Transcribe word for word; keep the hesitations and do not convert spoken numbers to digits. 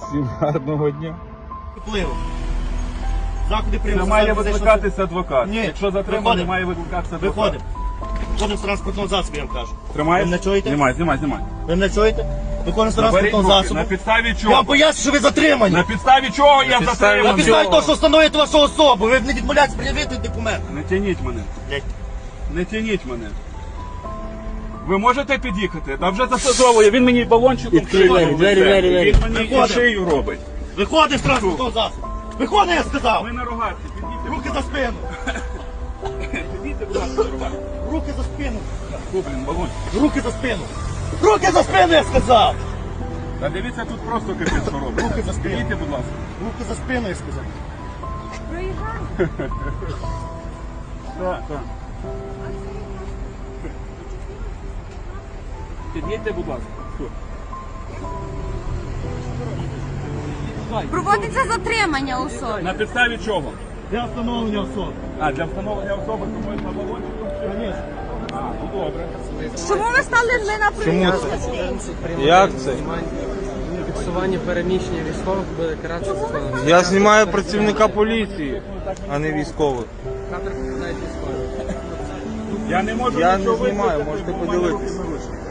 Всім гарного дня. Впливу. Заходи Не прийму. має викликатися адвокат. Ні. Якщо затриманий, Виходимо. має викликатися адвокат. Виходимо. Виходимо з транспортного засобу, я вам кажу. Тримаєш? Ви мене чуєте? Знімай, знімай, знімай. Ви мене чуєте? Виходимо з Заберіть транспортного руки. засобу. На підставі Я чого? вам поясню, що ви затримані. На підставі чого я На затриманий? підставі того, що встановлюєте вашу особу. Ви не відмовляєтесь пред'явити документ. Не тяніть мене. Блядь. Не тяніть мене. Ви можете під'їхати? Та вже засазовує. Він мені балончиком Відкрий двері, в двері, лице. двері, двері. Він мені і Виходимо. шию робить. Виходимо з транспортного засобу. Виходимо, я сказав. Ми на рогатці. Підійдіть. Руки за спину. Підійдіть, будь ласка, на рогатці. Руки за спину. Фу, блін, балончик. Руки за спину. Руки за спину, я сказав. Та дивіться, тут просто капець, що робить. Руки за спину. Підійдіть, будь ласка. Руки за спину, я сказав. Так, так. Під'їдьте, будь ласка. Все. Проводиться затримання особи. На підставі чого? Для встановлення особи. А, для встановлення особи, тому на балончиком ще? Звісно. А, ну добре. Чому ви стали не на прийом? Як це? Фіксування переміщення військових буде каратися за Я знімаю працівника поліції, а не військових. кадр попадають військові. Я не можу Я нічого не знімаю, визнати, можете бо в мене подивитись. руки наручні.